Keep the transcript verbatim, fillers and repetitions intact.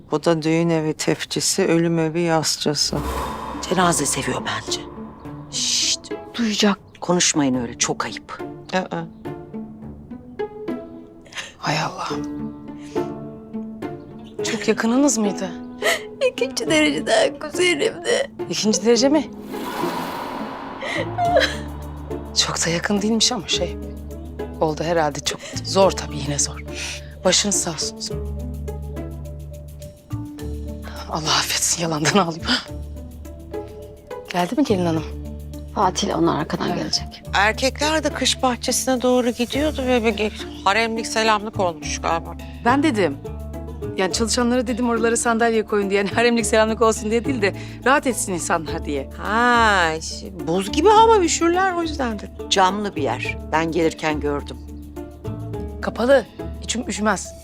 Bu da düğün evi tefçisi, ölüm evi yasçısı. Cenaze seviyor bence. Şşt, duyacak. Konuşmayın öyle, çok ayıp. Aa. Hay Allah. Çok yakınınız mıydı? İkinci dereceden kuzenimdi. İkinci derece mi? Çok da yakın değilmiş ama şey... Oldu herhalde, çok zor tabii, yine zor. Başınız sağ olsun. Allah affetsin, yalandan ağlayayım. Geldi mi gelin hanım? Fatih ile onlar arkadan gelecek. Erkekler de kış bahçesine doğru gidiyordu ve bir haremlik selamlık olmuş galiba. Ben dedim. Yani çalışanlara dedim oralara sandalye koyun diye. Yani haremlik selamlık olsun diye değil de rahat etsin insanlar diye. Ha, işte buz gibi hava, üşürler o yüzdendir. Camlı bir yer. Ben gelirken gördüm. Kapalı. İçim üşümez.